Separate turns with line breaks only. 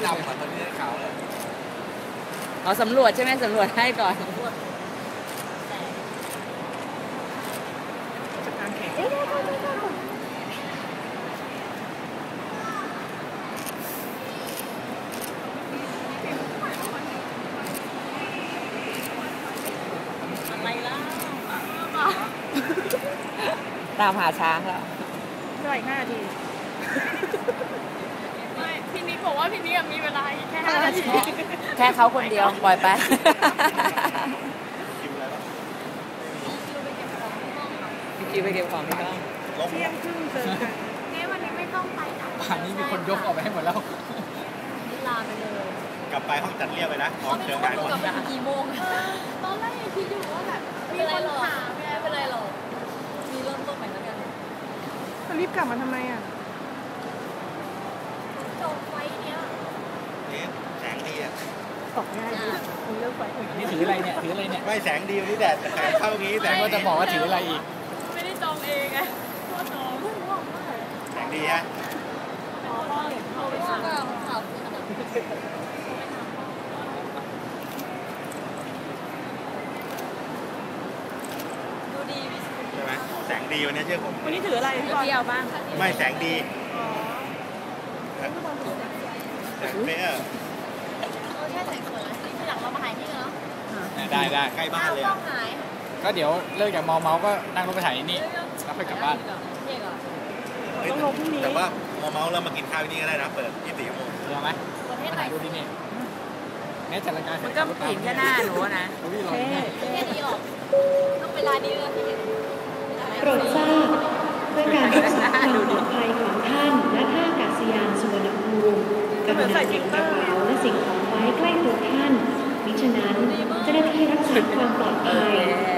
ดำเหมือนคนที่ขาวเลย
อ๋อสำรวจใช่ไหมสำรวจให้ก่อนตามหาช้างแล้ว
ด้วย5 นาทีไม่พี่นิกบอกว่าพี่นิกมีเวลาแค่5 นาที
แค่เขาคนเดียวปล่อยไปพี่คิวไปเก็บของที่ห้อง
เที่ยงครึ่งเจอกันนี่วันนี้ไม่ต้องไปนะ
ป่านนี้มีคนยกออกไปให้หมดแล้ว
ลาไปเลย
กลับไปห้องจัดเรียบไปนะห้องเชิญงานหมด
กี่โมงตอนแรกยังคิดอยู่ว่าแบบมีคนถามไม่เป็นไรหรอกมีเริ่มต้นใหม่แล้วกันรีบกลับมาทำไมอ่ะจบไฟเนี้ย
แสงดีอ่ะ
ตกง่ายดีคุณเลิกไฟ
นี่ถืออะไรเนี่ยถืออะไรเนี่ย
ไม่แสงดีวันนี้แดดเข้างี้แต่
ก็จะบอกว่าถืออะไรอีก
ไม่ได้จองเองไงก็จอง
แสงดีฮะ
พ่อเห็นเขาไปสั่งข่าวดูดี
ใช่ไหมแสงดีวันนี้เชื่อผม
วันนี้ถืออะไรพี่บอล
เที่ยวบ้าง
ไม่แสงดีแสงเฟ้อ
แค่ใส่สวยแล้วทีหลังเรามาหายที่กันเนาะ
ได้ใกล้บ้านเลย
ก็เดี๋ยวเลิกจากมอเมาก็นั่งรถไปถ่ายนี่แล้วค่อยกลับบ้าน
แต่ว่าเมาเรามากินข้าวที่นี่ก็ได้นะเปิด24 ชั่วโมง
เดี๋ยวไหมมาถ่ายรูปที่นี่เนี่ยจัดรายการ
มันก็ผิงแค่หน้าหนูนะ
แค่นี้หรอกต้องเวลานี้เลย
โปรดทราบเพื่อการรักษาความปลอดภัยของท่านและท่าอากาศยานสุวรรณภูมิกรุณาเก็บกระเป๋าและสิ่งของไว้ใกล้ตัวท่านมิฉะนั้นเจ้าหน้าที่รักษาความปลอดภัย